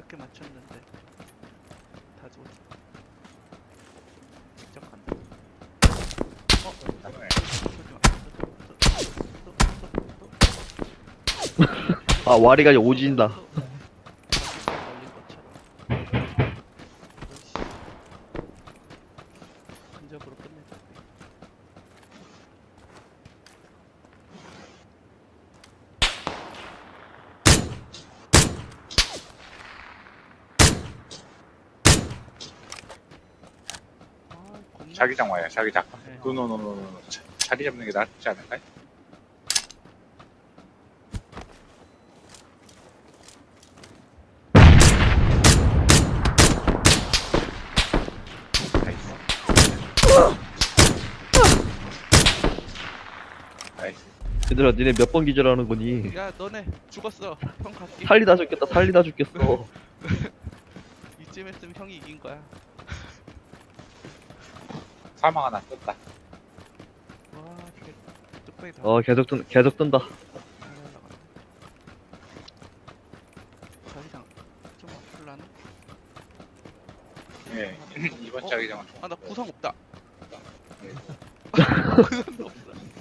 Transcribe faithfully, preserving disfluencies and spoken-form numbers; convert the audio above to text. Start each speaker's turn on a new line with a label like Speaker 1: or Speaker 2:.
Speaker 1: 개 맞췄는데 다 죽었어. 직접 간다. 어?
Speaker 2: 그러네.
Speaker 3: 아 와리가 오진다.
Speaker 1: 걸린 것처럼. 어이씨. 근접으로 끝내자. 아, 겁나.
Speaker 2: 자기장 와요, 자기장.
Speaker 1: 네.
Speaker 2: 노노노노노. 자- 자리 잡는 게 낫지 않을까요? 나이스. 나이스.
Speaker 3: 얘들아 니네 몇 번 기절하는 거니?
Speaker 1: 야, 너네 죽었어. 형 갈게.
Speaker 3: 살리다 죽겠다 살리다 죽겠어.
Speaker 1: 이쯤 했으면 형이 이긴 거야.
Speaker 2: 사망 하나 떴다.
Speaker 1: 와, 개 뚝배기 다.
Speaker 3: 어 계속 뜬 계속 뜬다.
Speaker 1: 잘 날라가네. 자기장 좀 아플라나?
Speaker 2: 예, 이번
Speaker 1: 어?
Speaker 2: 자기장은 좀.
Speaker 1: 아, 나 구상 없다.
Speaker 2: 예.
Speaker 1: 구상도 없어.